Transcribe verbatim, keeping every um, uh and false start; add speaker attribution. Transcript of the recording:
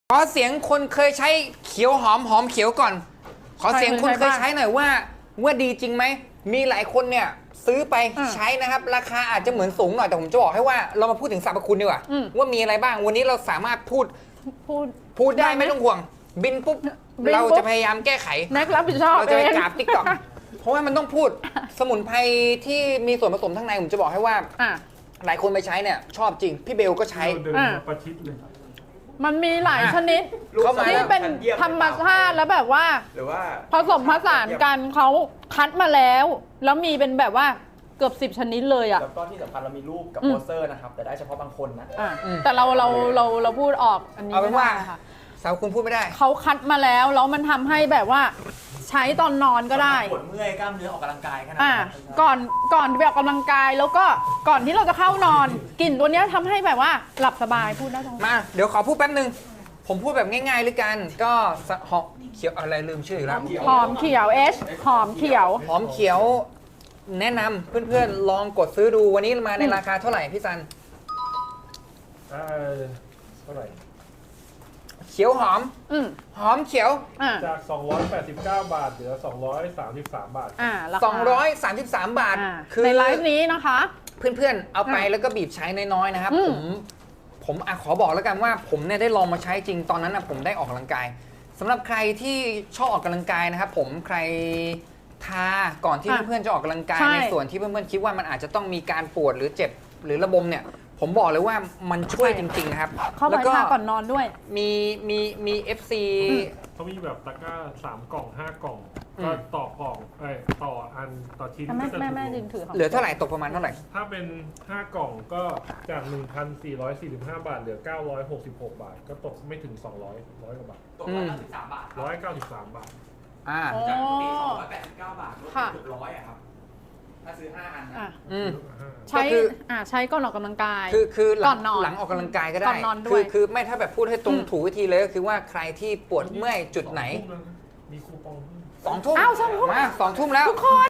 Speaker 1: ขอเสียงคนเคยใช้เขียวหอมหอมเขียวก่อน ขอเสียงคนเคยใช้หน่อยว่าว่าดีจริงไหมมีหลายคนเนี่ยซื้อไปใช้นะครับราคาอาจจะเหมือนสูงหน่อยแต่ผมจะบอกให้ว่าเรามาพูดถึงสรรพคุณดีกว่าว่ามีอะไรบ้างวันนี้เราสามารถพูด
Speaker 2: พูด
Speaker 1: พูดได้ไม่ต้องห่วงบินปุ๊บเราจะพยายามแก้ไข
Speaker 2: แม็กรับผิดชอบ
Speaker 1: เราจะไปกราบติ๊กต็อกเพราะว่ามันต้องพูดสมุนไพรที่มีส่วนผสมทั้งในผมจะบอกให้ว่าหลายคนไปใช้เนี่ยชอบจริงพี่เบลก็ใช้
Speaker 3: ประชิดเลย
Speaker 2: มันมีหลายชนิดที่เป็นธรรมชาติแล้วแบบว่า
Speaker 4: หรือว่า
Speaker 2: ผสมผสานกันเขาคัดมาแล้ว แล้วมีเป็นแบบว่าเกือบสิบชนิดเลยอ่ะ
Speaker 4: แล้วก็ที่สำคัญเรามีรูปกับโปสเตอร์นะครับแต่ได้เฉพาะบางคนนะ
Speaker 2: แต่เราเราเราเราพูดออกอันนี้
Speaker 1: เอาเป็นว่าสาวคุณพูดไม่ได้
Speaker 2: เขาคัดมาแล้วแล้วมันทำให้แบบว่าใช้ตอนนอนก็ได้
Speaker 4: ปวดเมื่อยกล้ามเนื้อออกกำลังกายขนาด
Speaker 2: นั้นก่อนก่อนไปออกกำลังกายแล้วก็ก่อนที่เราจะเข้านอนกลิ่นตัวนี้ทำให้แบบว่าหลับสบายพูดได้ตรง
Speaker 1: มาเดี๋ยวขอพูดแป๊บนึงผมพูดแบบง่ายๆเลยกันก็หอมเขียวอะไรลืมชื่อแล้ว
Speaker 2: หอมเขียวเอชหอมเขียว
Speaker 1: หอมเขียวแนะนำเพื่อนๆลองกดซื้อดูวันนี้มาในราคาเท่าไหร่พี่ซัน
Speaker 3: เท่าไหร่
Speaker 1: เขียวหอมหอมเขียว
Speaker 3: จากสองร้อยแปดสิบเก้าบาทเหลือสองร้อยสามสิบสามบาท
Speaker 1: สองร้อยสามสิบสามบาท
Speaker 2: คือในไลฟ์นี้นะคะ
Speaker 1: เพื่อนๆเอาไปแล้วก็บีบใช้น้อยๆนะครับผมผมอขอบอกแล้วกันว่าผมเนี่ยได้ลองมาใช้จริงตอนนั้นนะผมได้ออกกำลังกายสำหรับใครที่ชอบออกกำลังกายนะครับผมใครทาก่อนที่เพื่อนๆจะออกกำลังกายในส่วนที่เพื่อนๆคิดว่ามันอาจจะต้องมีการปวดหรือเจ็บหรือระบมเนี่ยผมบอกเลยว่ามันช่วยจริงๆนะครับ
Speaker 2: แล้วก็ก่อนนอนด้วย
Speaker 1: มีมีมี เอฟ ซี
Speaker 3: เขามีแบบตะกร้าสามกล่องห้ากล่องก็ต่อกล่องเอ้ยต่ออันต่อชิ้น
Speaker 2: แม่แม่แม่ดึงถือ
Speaker 1: เหลือเท่าไหร่ตกประมาณเท่าไหร่
Speaker 3: ถ้าเป็นห้ากล่องก็จาก หนึ่งพันสี่ร้อยสี่สิบห้า บาทเหลือเก้าร้อยหกสิบหกบาทก็ตกไม่ถึงสองร้อย ร้อยกว่าบาท
Speaker 4: ตกร้อยเก้าสิบสามบาท
Speaker 3: ร้อยเก้าสิบสามบาท
Speaker 1: อ่า
Speaker 4: จากปกติสองร้อยแปดสิบเก้าบาทลดเกือบร้อยอะครับถ้าซื้อห้าอันนะ
Speaker 2: ใช้อ่าใช้ก่อนออกกำลังกาย
Speaker 1: คือคือหลังหลังออกกำลังกายก็ได้คือคือไม่ถ้าแบบพูดให้ตรงถูกวิธีเลยก็คือว่าใครที่ปวดเมื่อยจุดไหน
Speaker 3: มีคูปอง
Speaker 1: สองทุ่ม
Speaker 2: อ้าวสองทุ่ม
Speaker 1: มาสองทุ่มแล้ว
Speaker 2: ทุกคน